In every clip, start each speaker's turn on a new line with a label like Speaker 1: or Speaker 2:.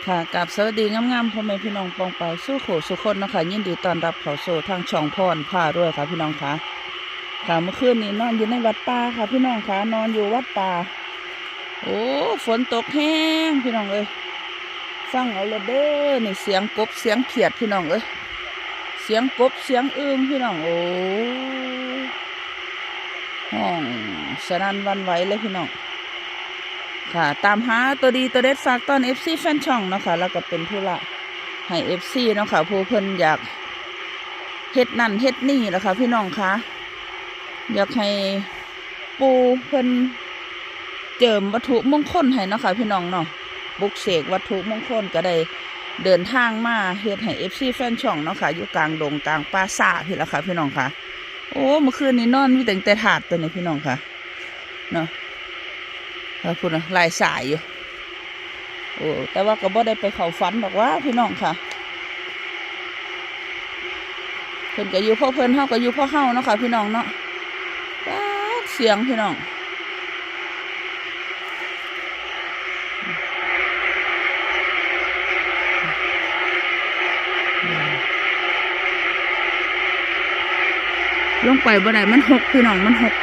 Speaker 1: ค่ะกับสวัสดีงามๆพ่อแม่พี่น้องปองไปสู้โขสุคนนะคะยินดีต้อนรับเข้าสู่ทางช่องพรพาด้วยค่ะพี่น้องค่ะค่ะเมื่อคืนนี้นอนอยู่ในวัดป่าค่ะพี่น้องค่ะนอนอยู่วัดป่าโอ้ฝนตกแห้งพี่น้องเอ้ยฟังเอาละเด้อนี่เสียงกบเสียงเขียดพี่น้องเอ้ยเสียงกบเสียงอึ่งพี่น้องโอ้ห้องสนั่นหวั่นไหวเลยพี่น้องค่ะตามหาตัวดีตัวเด็ดฝากตอน FC แฟนช่องเนาะค่ะแล้วก็เป็นผู้ละให้ FC เนาะค่ะผู้เพิ่นอยากเฮ็ดนั่นเฮ็ดนี่แหละค่ะพี่น้องคะอยากให้ปูเพิ่นเจิมวัตถุมงคลให้เนาะค่ะพี่น้องเนาะบุกเสกวัตถุมงคลก็ได้เดินทางมาเฮ็ดให้ FC แฟนช่องเนาะค่ะอยู่กลางดงกลางป่าซ่าพี่ละค่ะพี่น้องค่ะโอ้เมื่อคืนนี้นอนมีแต่ถาดตัวนี้พี่น้องค่ะเนาะพูดนะลายสายอยู่โอ้แต่ว่าก็บ่ได้ไปเข้าฝันบอกว่าพี่น้องค่ะเพิ่นก็อยู่พ่อเพิ่นเฮาก็อยู่พ่อเฮาเนาะค่ะพี่น้องเนาะเสียงพี่น้องลงไปบ่ได้มันหกพี่น้องมันหก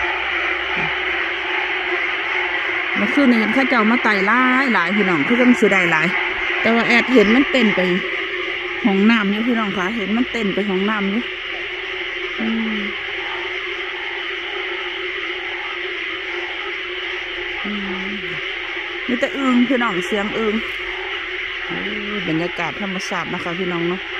Speaker 1: เมื่อคืนนี้เห็นข้าเจ้ามาไต่หลายพี่น้องคือต้องเสียดายหลายแต่ว่าแอดเห็นมันเต้นไปห้องน้ำอยู่พี่น้องค่ะเห็นมันเต้นไปห้องน้ำอยู่นี่แต่อึ่งพี่น้องเสียงอึ่งบรรยากาศธรรมชาตินะคะพี่น้องเนาะ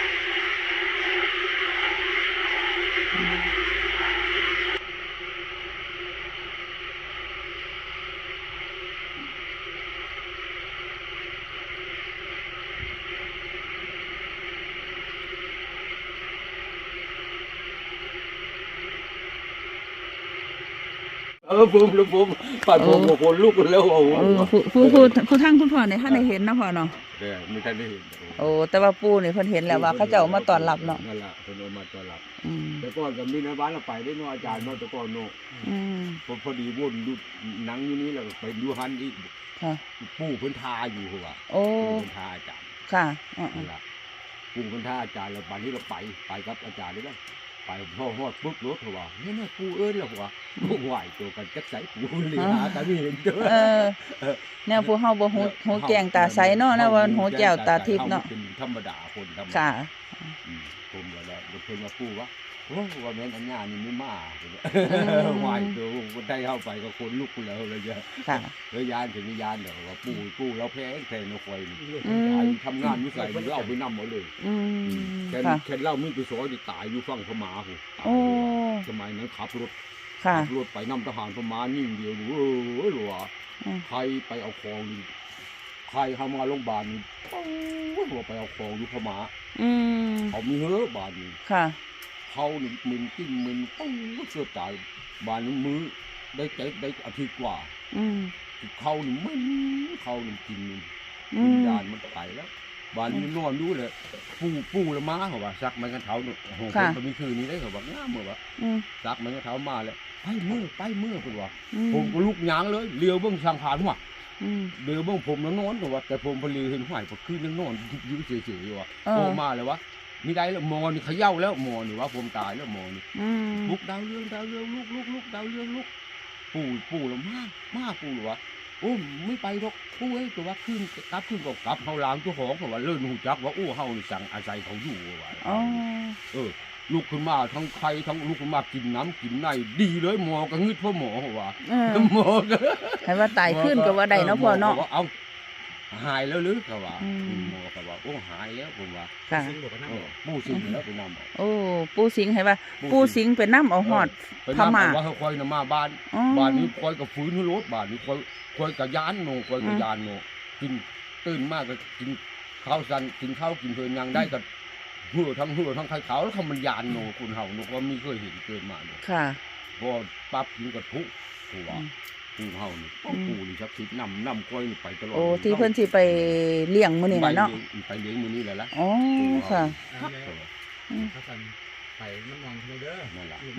Speaker 2: ผมปัดผมคนลูกแล้วโอ้โห
Speaker 1: ผู้ทั้งคุณพ่อเนี่ยท่านได้เห็นนะพ่อเนาะ
Speaker 2: มีท่านได้เห็น
Speaker 1: โอ้แต่ว่าปู่เนี่ยเพิ่นเห็นแล้วว่าเขาเจ้ามาต้อนรับเนาะ
Speaker 2: นั่นแหละเพิ่นมาต้อนรับแต่ก่อนก็มีในบ้านเราไปได้เนาะอาจารย์เนาะแต่ก่อนเนาะพอดีวนดูหนังอยู่นี้แล้วไปดูฮันอีกปู่เพิ่นทาอยู่หัว
Speaker 1: โอ้
Speaker 2: เพิ่นทาอาจารย์
Speaker 1: ค่ะ
Speaker 2: นั่นแหละปู่เพิ่นทาอาจารย์แล้วบัดนี้เราไปกับอาจารย์ได้ไหมไปพ่อฮอดปุ๊บรถเขาว่าเนี่ยปู่เอิ้นแล้วว่าบ่ไหวตัวกันจักใสปู่เลยหากันไม่เห็นเด้อ
Speaker 1: เนี่ยพวกเฮาบ่หูแจ้งตาใสเนาะนะว่าหูแจ้วตาทิพย์เนาะ
Speaker 2: เป็นธรรมดาคนธรรมดา
Speaker 1: ค่ะ
Speaker 2: ผมก็แล้วเพิ่นมาปู่ว่าโอ้ว่าแม่นอันญานี่ไม่มาไหวตัวคนไทยเข้าไปก็คนลุกแล้วเลยจ้ะ
Speaker 1: ค่ะ
Speaker 2: แล้วยานถึงยานเด้อว่าปู่เราแพ้แทนคอยทำงานอยู่ไสมันเอาไปนำหมดเลยแค่เล่ามีไปสอยตายอยู่ฝั่งพม่าพุ่นตายสมัยนั้นขับรถไปนำทหารพม่านิ่งเดียวหรือว่าใครไปเอาของใครเข้ามาโรงพยาบาลนี่หัวไปเอาของอยู่พม่าเขามีเฮ้อบาดนี่เขาหนึ่งมึนจิ้มมึนเสื้อจ่ายบานมือได้อาทิตย์กว่าเขาหนึ่งมึนเขาหนึ่งกินวิญญาณมันไปแล้วบานนี้นอนดูเลยปูละม้าเขาว่าซักมันกันเท้าหนุ่มโหคนมีคืนนี้ได้เขาบอกง่ามเหมือนว่าซักมันกันเท้ามาเลยไปเมื่อคุณว่าผมก็ลุกยางเลยเลี้ยวเบื้องสังขารหัวเลี้ยวเบื้องผมแล้วนอนแต่ว่าแต่ผมพอเลี้ยวเห็นหายพอขึ้นยังนอนยืดเฉยๆว่าโตมาเลยวะมีได้แล้วมอนี่เขย่าแล้วมอนี่ว่าผมตายแล้วมอนี่ลุกดาวเรื่องลุกดาวเรื่องลุกปู่แล้วมากปู่หรือวะโอ้ไม่ไปหรอกปู่เอ้ยตัวว่าขึ้นก็กลับเขาล้างตัวของเพราะว่าเลื่อนหูจักว่าโอ้เฮานี่สั่งอาศัยเขาอยู่ว่าลูกขึ้นมาทั้งใครทั้งลูกขึ้นมากินน้ำกินในดีเลยหมอก็งึดพ่อหมอว่าหมอก็
Speaker 1: ให้ว่าตายขึ้นก็ว่าได้เนาะพ่อเนาะ
Speaker 2: เอาหายแล้วหรือเขาว่าหมอเขาว่าโอ้หายแล้วผมว่า
Speaker 1: ค่ะ
Speaker 2: ปู่สิงแล้วไปนำ
Speaker 1: โอ้ปู่สิงให้ว่าปู่สิงไปนำเอาหอดพม่า
Speaker 2: ว่าเขาคอยนำมาบ้านนี้คอยกับฟื้นรถบ้านนี้คอยกับยานโนคอยกับยานโนกินตื่นมากก็กินข้าวสันกินข้าวกินเพลินยังได้กับหัวทั้งไข่ขาวแล้วเขามันยานโนคุณเห่าโนว่ามีเคยเห็นเกิดมาเนี่ย
Speaker 1: ค่ะ
Speaker 2: พอปั๊บกินกับทุกตัวปูเห่านี่ปูนี่ชักคิดนำกล้วยไปตลอด
Speaker 1: โอ้ที่เพิ่นสิไปเลี้ยงมื้อนี้เนาะ
Speaker 2: ไปเลี้ยงมื้อนี้แหละล่ะ
Speaker 1: อ๋อค่ะ
Speaker 3: เขาสั่นไปมันมองเด้อ
Speaker 2: นั่นแหละ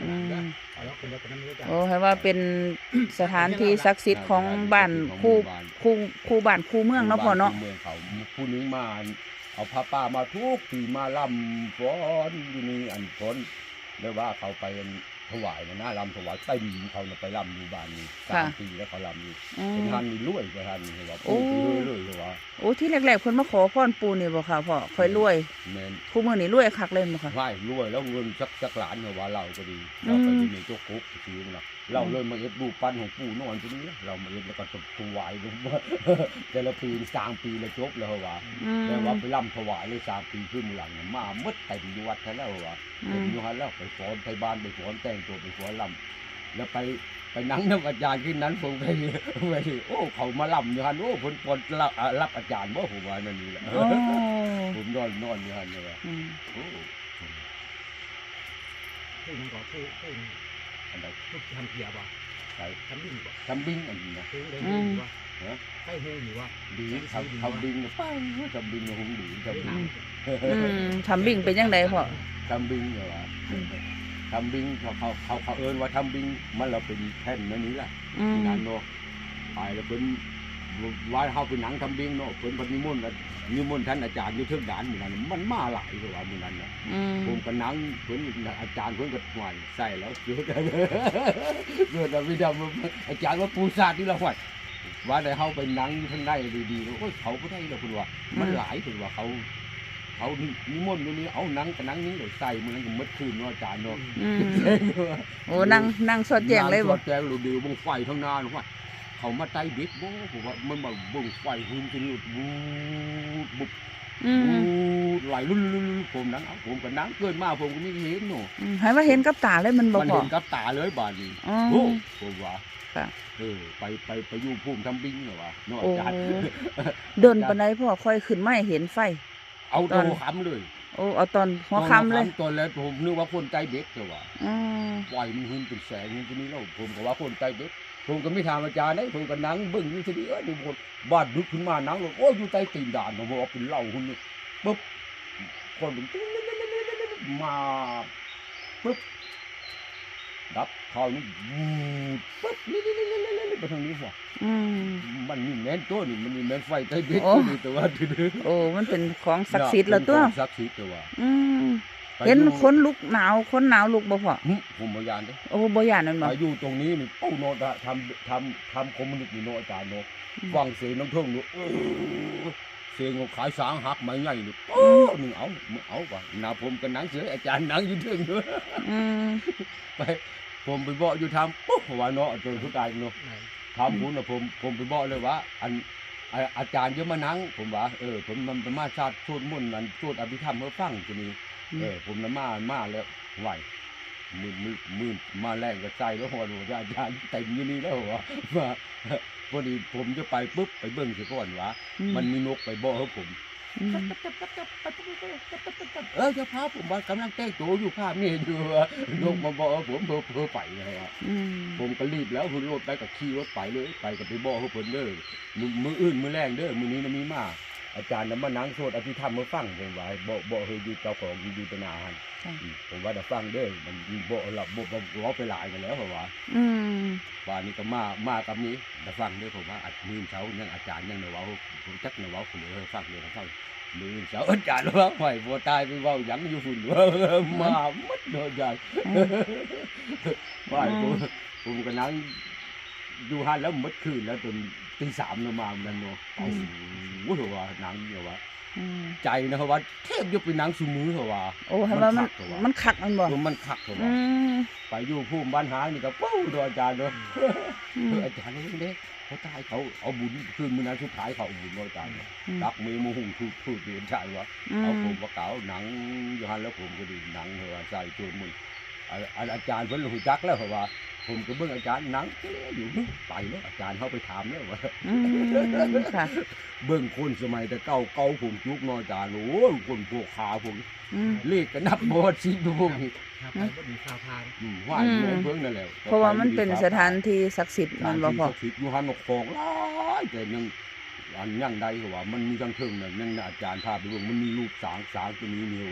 Speaker 3: แล้วคนเดียวกันนั้นไม่รู้จัก
Speaker 1: โอ้ให้ว่าเป็นสถานที่ศักดิ์สิทธิ์ของบ้านคู่บ้านคู่เมืองเนาะพ่อเนาะ
Speaker 2: เมืองเขาผู้นึงมาเอาผ้าป่ามาทุกปีมาลำฟ้อนอยู่นี่อันฟ้อนเรียกว่าเขาไปถวายนะลำถวายเต็มเขาไปลำอยู่บ้านนี้3 ปีแล้วเขาลำอยู่เป็นท่านนี่รวยประธานนี่ว่าปู่เลยว่า
Speaker 1: โอ้ที่แรกๆเพิ่นมาขอพรปู่นี่บ่ค่ะพ่อค่อยรวย
Speaker 2: แม่น
Speaker 1: คู่มื้อนี้รวยคักเลยบ่ค่ะ
Speaker 2: ไหว้รวยแล้วเงินสักล้านเหรอว่าเราก็ดีเราไปที่นี่เจ้าคุกซื้อนะเราเลยมาเอ็ดรูปปั้นของปู่นอนที่นี่เรามาเอ็ดแล้วก็ถวายลงมาแต่ละปี3 ปีแล้วจบแล้วว่าแต่ว่าไปร่ำถวายเลย3 ปีขึ้นหลังมาหมดเต็มอยู่วัดแล้วว่าเต็มอยู่ฮันแล้วไปฟ้อนไปบ้านไปฟ้อนแต่งตัวไปฟ้อนร่ำแล้วไปนั่งน้ำอาจารย์ขึ้นนั้นผมไปโอ้เขามาล่ำอยู่ฮันโอ้คนรับอาจารย์ว่าผมว่านั่นนี่แหละผมนอนอยู่ฮันเลยโอ้
Speaker 3: ผู้นึงก็ผู้
Speaker 2: อันใด
Speaker 3: ผู้ทำเกียร์บ่
Speaker 2: ใช่
Speaker 3: ทำดิ้งบ่
Speaker 2: ทำบิงอันนี้นะ
Speaker 3: ผู้ได้ดิ้งบ่ใช่หูอยู่บ่
Speaker 2: ดีทำบิงนะป้าทำบิงนะผมดีทำบิง
Speaker 1: ทำบิ่งเป็นจังไดพ่อ
Speaker 2: ทำบิงเหรอวะทำบิงเขาเอิ้นว่าทำบิงมันเราเป็นแท่นนั่นนี่แหละนั่นเนาะไปแล้วเป็นว่าเขาเป็นหนังทำบิงเนาะเป็นปฏิมนต์ท่านอาจารย์อยู่เทิงด่านเหมือนกันมันมาหลายกว่าเหมือนกันนะผมก็นั่งเพิ่นอาจารย์เพิ่นก็หวานใส่แล้วเกิดวิดาอาจารย์ว่าปูซาดนี่ละหวานว่าได้เฮาไปนั่งอยู่ข้างในดีๆโอ้ยเขาบ่ได้แล้วเพิ่นว่ามันหลายเพิ่นว่าเขานิมนต์อยู่นี่เอาหนังกับหนังนี้เลยใส่มื้อนั้นก็หมดคืนเนาะอาจารย์เนาะ
Speaker 1: โอ้นั่งสดแจ้งเลยบ่
Speaker 2: สดแจ้งดูวงไฟข้างหน้าเนาะเขามาไต่เบ็ดบ่ผมว่ามันบ่เบิ่งไฟหุ่นจนบูบุบไหลลุ่นผมนั้นเอาผมก็นั่งเกินมาผมก็ไม่เห็นเนาะ
Speaker 1: ให้ว่าเห็นกับตาเลยมันบ่
Speaker 2: มัน
Speaker 1: พอ
Speaker 2: เห็นกับตาเลยบาดนี้
Speaker 1: โอ้
Speaker 2: ผมว่า
Speaker 1: ค่ะ
Speaker 2: ไปอยู่ภูมิทำบิงเหรอวะเนาะอาจารย์
Speaker 1: เดินปานใดพ่อค่อยขึ้นมาเห็นไฟ
Speaker 2: เอาตัวค้ำเลย
Speaker 1: โอ้เอาตอนหัวค่ำเลย
Speaker 2: ตอนแรกผมนึกว่าคนใจเบ็ดแต่ว่าไฟมันหุ่นเป็นแสงมันจะมีแล้วผมก็ว่าคนใจเบ็ดผมก็ไม่ถามอาจารย์นะผมก็นั่งเบิ่งอยู่ทีนี้ดูคนบ้านดึกขึ้นมานั่งเลยโอ้ยอยู่ใต้ตีนด่านผมว่าเป็นเหล้าหุ่นปุ๊บคนมาปุ๊บดับเขานี่ปุ๊บนี่ไปทางนี้หัวมันนี่แม่นตัวนี่มันนี่แม่นไฟใต้เบ็ดนี่แต่ว่า
Speaker 1: โอ้มันเป็นของศักดิ์สิทธิ์แล้วตัว
Speaker 2: ศักดิ์สิทธิ์แต่ว่า
Speaker 1: เห็นคนลุกหนาวคนหนาวลุกบ่พ่อ
Speaker 2: ผมบ่ยานเด้
Speaker 1: โอ้บ่ยานนั่นบ่
Speaker 2: ไปอยู่ตรงนี้นี่โอ้โนทำคอมมิวนิสต์นี่โนอาจารย์โนฟังเสียงน้ำท่วมนี่เสียงขายสางหักไม้ใหญ่นี่โอ้นึงเอาว่ะหน้าผมก็นั่งเสืออาจารย์นั่งอยู่เทิงด้วยไปผมไปบอกอยู่ทำปุ๊บว่าเนาะจนทุกตายเนาะทำผมน่ะผมไปบอกเลยว่าอาจารย์เยอะมานั่งผมว่าผมมันมาชาติสวดมนต์มันสวดอภิธรรมเมื่อฟังทีนี้ผมน่ะมาแล้วไหวมือมาแรงก็ใจแล้วหัวอาจารย์เต็มอยู่นี่แล้วว่าพอดีผมจะไปปุ๊บไปเบิ่งสิก่อนว่ามันมีนกไปบ่ให้ผมจะพาผมว่ากำลังแต่งตัวอยู่ภาพนี่อยู่นกมาบ่ผมเพ้อไปนะครับผมก็รีบแล้วคุณรถไปกับขี่รถไปเลยไปกับไปบ่ให้ผมเด้อมืออื่นมือแรงเด้อมือนี้มีมาอาจารย์น่ะมานั่งสวดอภิธรรมมาฟังผมว่าบ่เฮยอยู่เจ้าของอยู่ตนาหั่นผมว่าจะฟังเด้อมันบ่หลับบ่ไปหลายกันแล้วเพราะว่าว่านี่ก็มากับนี้จะฟังเด้อผมว่าอัดมือเช้ายังอาจารย์ยังเว้าผมจักเว้าผมเลยฟังเลยฟังมือเช้าอาจารย์ว่าไหวบ่ตายไปเว้าหยังอยู่ฝุ่นมาหมดโดนอาจารย์ว่าผมก็นั่งอยู่หั่นแล้วหมดคืนแล้วจนตี 3แล้วมามันเนาะโอ้โหว่าหนังเนี่ยว่าใจนะครับว่าแทบยกเป็นหนังซุมือเหรอว่า
Speaker 1: โอ้ให้ว่ามันคักมันบ่
Speaker 2: มันคักเหรอว่าไปอยู่ภูมิบ้านหานี่ก็ปู้โดนอาจารย์เนาะอาจารย์เด้เขาตายเขาเอาบุญคืนมื้อนั้นสุดท้ายเขาเอาบุญอาจารย์ดักมือมูหุ่งทูดเดือนชายวะเอาผมว่าเก่าหนังอยู่หั่นแล้วผมก็ดีหนังเหรอว่าใส่โจมมืออาจารย์เพิ่นรู้จักแล้วเหรอว่าผมก็เบิ่งอาจารย์หนังอยู่ไปแล้วอาจารย์เขาไปถามแล้วว่า
Speaker 1: ค่ะ
Speaker 2: เบิ่งคนสมัยแต่เก่าผมจุกเนาะอาจารย์โอ้ยคนพวกขาผมเลขก็นับบ่สิดูพวกนี้
Speaker 3: ครับบ่มีข่าวทาง
Speaker 2: ว่าเบิ่งนั่นแหละ
Speaker 1: เพราะว่ามันเป็นสถานที่ศักดิ์สิทธิ์มันบ่พอ
Speaker 2: ศักดิ์สิทธิ์อยู่หั่นนกของหลายแต่ยังใดก็ว่ามันมีทั้งเทิงน่ะยังอาจารย์พาไปเบิ่งมันมีรูปสางตัวนี้นี่ว่า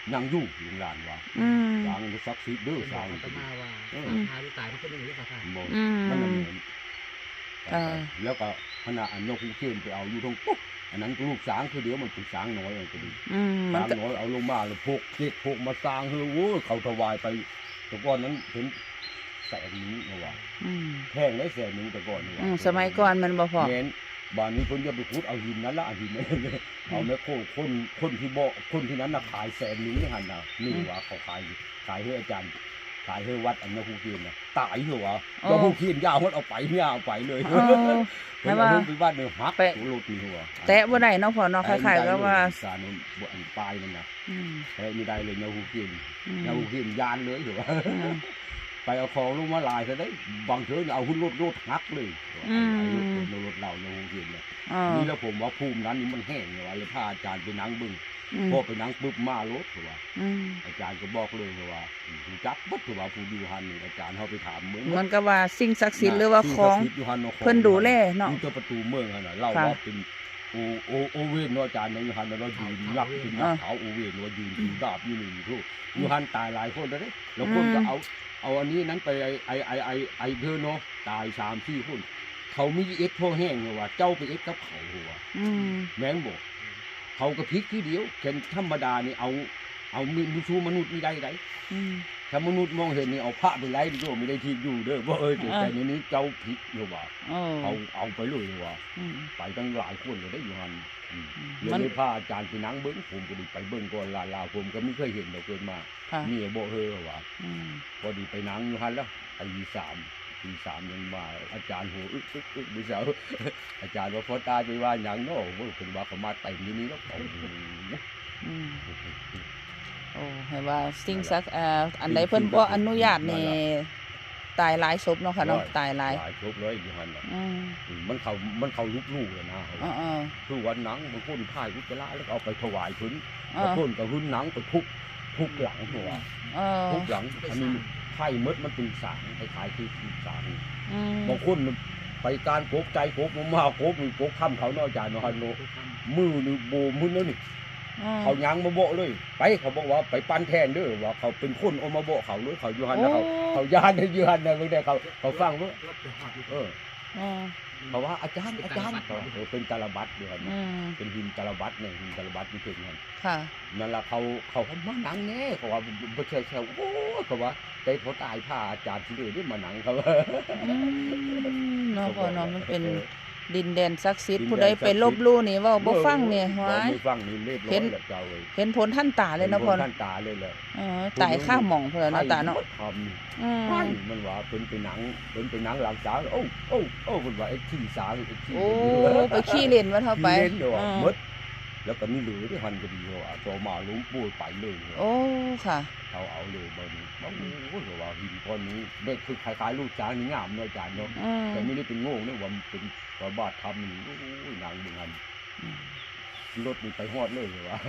Speaker 2: ยังอยู่ลุงหลานว่า
Speaker 1: อืม
Speaker 2: สร้างมันศักดิ์สิทธิ์เด้อ
Speaker 3: เป็น
Speaker 2: สร้าง
Speaker 3: อัตมาว่าพาที่ตายมันก็ไม่รู้สภาพ
Speaker 2: บ่
Speaker 1: อืม
Speaker 2: มันน่ะเหมือน
Speaker 1: อ่า
Speaker 2: แล้วก็ขณะอันนกฮูกเคนไปเอาอยู่ตรงปุ๊บอันนั้นลูกสางคือเดี๋ยวมันเป็นสางน้อยก็ดี
Speaker 1: อืมมัน
Speaker 2: สาง
Speaker 1: ก็
Speaker 2: น้อยเอาลงมาแล้วพกเจ็ดพกมาสร้างเฮ้ยโอ้ยเขาถวายไปแต่ก่อนนั้นเห็นแสนนี้นะว่า
Speaker 1: อืม
Speaker 2: แพงได้แสนนึงแต่ก่อนนี่ว่า
Speaker 1: สมัยก่อนมันบ่พอ
Speaker 2: แม่นบ้านนี้เพิ่นจะไปขุดเอาหินนั้นละเอาหินนั้นเอาแม่โคคนที่บ่คนที่นั้นน่ะขายแสนนึงนี่หั่นน่ะนี่ว่าเขาขายให้อาจารย์ขายให้วัดอันนกฮูกเคนน่ะตายเหรอวะนกฮูกเคนยาวมันเอาไปเนี่ยเอาไปเลย
Speaker 1: เออ
Speaker 2: เพิ่นเอาลงไปบ้านเด้อฮัก
Speaker 1: ไป
Speaker 2: ตัวรถนี่หัว
Speaker 1: แตะบ่ได้เนาะพ่อเนาะคล้ายๆก็ว่า
Speaker 2: สารบ่อันปลายนั่นน่ะ
Speaker 1: อืม
Speaker 2: แต่ไม่ได้เลยนกฮูกเคน
Speaker 1: อืม
Speaker 2: นกฮูกเคนยานเลยเหรอวะ
Speaker 1: อืม
Speaker 2: ไปเอาของลงมาลายซะได้บางเทื่อเอาหุ่นรถฮักเลย
Speaker 1: อืม
Speaker 2: ไอ้รถเรานกฮูกเคนเนี่ย
Speaker 1: อ๋อ
Speaker 2: นี่แล้วผมว่าภูมินั้นนี่มันแห้งเลยว่าเลยพาอาจารย์ไปนั่งเบึง
Speaker 1: อืม
Speaker 2: พอไปนั่งปุ๊บมารถว่า
Speaker 1: อืม
Speaker 2: อาจารย์ก็บอกเลยว่าผู้จักบัดว่าผู้อยู่หันนี่อาจารย์เขาไปถามเมือง
Speaker 1: มันก็ว่าสิ่งศักดิ์สิทธิ์หรือว่าของ
Speaker 2: สิ่ศักดิ์สิทธิ์ยู่หั่น
Speaker 1: เพิ่นดูแลเนาะ
Speaker 2: อยู่ที่ประตูเมืองหั่นน่ะเล่า
Speaker 1: ค่ะ
Speaker 2: ว่าเป็นโอเวนเนาะอาจารย์เนาะอยู่หันน่ะเรายืนยักเป็นยักษ์ขาวโอเวนว่ายืนถือดาบอยู่นี่ทุกอยู่หันตายหลายคนแล้วเด้แล้วคนก็เอาอันนี้นั้นไปไอเธอเนาะตาย3-4คนเขามีเอ็ดพ่อแห้งเลยว่าเจ้าไปเอ็ดกับเขาหัว
Speaker 1: อืม
Speaker 2: แม่งบอกเขาก็พลิกทีเดียวแค่ธรรมดานี่เอามีชูมนุษย์ไม่ได้ไร
Speaker 1: อืม
Speaker 2: ถ้ามนุษย์มองเห็นนี่เอาพระไปไล่ดีกว่าไม่ได้ทีอยู่เด้อว่าแต่ในนี้เจ้าพลิกเลยว่า
Speaker 1: โอ้
Speaker 2: เอาไปเลยว่า
Speaker 1: อืม
Speaker 2: ไปตั้งหลายคนเลยได้อยู่หันเล
Speaker 1: มัน
Speaker 2: ยพาอาจารย์ไปนั่งเบิ้งผมก็ดีไปเบิ้งก่อนลาผมก็ไม่เคยเห็นเราเกินมา
Speaker 1: ค่ะ
Speaker 2: มีโบเฮอว่า
Speaker 1: อืม
Speaker 2: พอดีไปนั่งอยู่หันแล้วตีสามยังมาอาจารย์โหอึกดิเสาอาจารย์ว่าพอตาไปว่าอย่างเนาะว่าเป็นว่าเขามาเต็มที่นี้แล้ว
Speaker 1: อืมโอ้ให้ว่าสิ่งศักดิ์อันใดเพิ่นบ่อนุญาตนี่ตายหลายศพเนาะค่ะเนาะตายหลาย
Speaker 2: ครบเลยอยู่หันน่ะ
Speaker 1: อืม
Speaker 2: มันเขาลูกเลยนะ
Speaker 1: อ๋อ
Speaker 2: คือวันหนังบางคนถ่ายอุจจาระแล้วเอาไปถวายพื้น
Speaker 1: อ๋อบ
Speaker 2: างคนก็หุ้นหนังไปทุบหลังหัว
Speaker 1: อ๋อ
Speaker 2: ทุบหลังอันนี้ไข่มดมันเป็นสางคล้ายๆคือสาง
Speaker 1: อืม
Speaker 2: บางคนไปการโกบใจโกบมาโกบมีโกบทำเขาเนาะอาจารย์เนาะฮันโนมือนี่โบมือแล้วนี่ เขายังมาโบะเลยไปเขาบอกว่าไปปั้นแทนเด้อว่าเขาเป็นคนเอามาโบะเขาเลยเขาอยู่หันนะเขาญาติอยู่หันนะไม่ได้เขาฟังว่าเออ
Speaker 1: อ๋อ
Speaker 2: เขาว่าอาจารย์เขาเป็นตาลบัตอยู่หัน
Speaker 1: อืม
Speaker 2: เป็นหินตาลบัตเนี่ยหินตาลบัตนี่ถึงหัน
Speaker 1: ค่ะ
Speaker 2: นั่นละเขามาหนังแน่เขาว่าไม่ใช่โอ้เขาว่าใจเขาตายผ้าอาจารย์ที่เลยได้มาหนังเขาว่า
Speaker 1: อืมเนาะพ่อเนาะมันเป็นดินแดนศักดิ์สิทธิ์ผู้ใดไปลบลู่นี่เว้าบ่ฟังเนี่ยหวาย
Speaker 2: ไม่ฟังนี่เรียบร้อยแล้วเจ้าเลย
Speaker 1: เห็นผลท่านตาเลยเนาะพ่อ
Speaker 2: ท่านตาเลยเลย
Speaker 1: ตายข้าหม่องเพิ่นเนาะตาเนาะ
Speaker 2: ทำ
Speaker 1: อืม
Speaker 2: มันว่าเป็นหนังหลังสาวโอ้มันว่าไอ้ที่สาวไอ้ที่
Speaker 1: โอ้ไปขี้เล่นว่าเท่าไป
Speaker 2: เล่นเดี๋ยว
Speaker 1: อืม
Speaker 2: มดแล้วก็มีเหลือที่หันก็ดีว่าตัวมาลุงปูไปเลย
Speaker 1: โอ้ค่ะ
Speaker 2: เขาเอาเลยบนโอ้โหว่าหินก้อนนี้เด็กคือคล้ายๆลูกช้างนี่งามเนาะอาจารย์เนาะ
Speaker 1: อืม
Speaker 2: แต่ไม่ได้เป็นโง่เนี่ยว่ามันเป็นกระบาดทำนี่โอ้ยนางดึงหันรถมันไปฮอดเลยเหรอวะ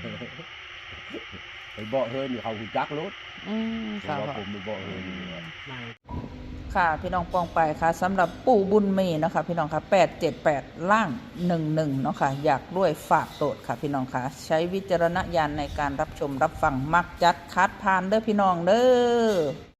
Speaker 2: ไปเบาะเฮินนี่เขาหุ่นจักรถ
Speaker 1: อืม
Speaker 2: เพ
Speaker 1: ค่ะ
Speaker 2: ราะว่า
Speaker 1: พ่อ
Speaker 2: ผมไปเบาะเฮินนี่ว่า
Speaker 1: ค่ะพี่น้องปองไปค่ะสำหรับปู่บุญมีนะคะพี่น้องค่ะ878ล่าง11เนาะค่ะอยากด้วยฝากโตดค่ะพี่น้องค่ะใช้วิจารณญาณในการรับชมรับฟังมักจัดคัดพานเด้อพี่น้องเด้อ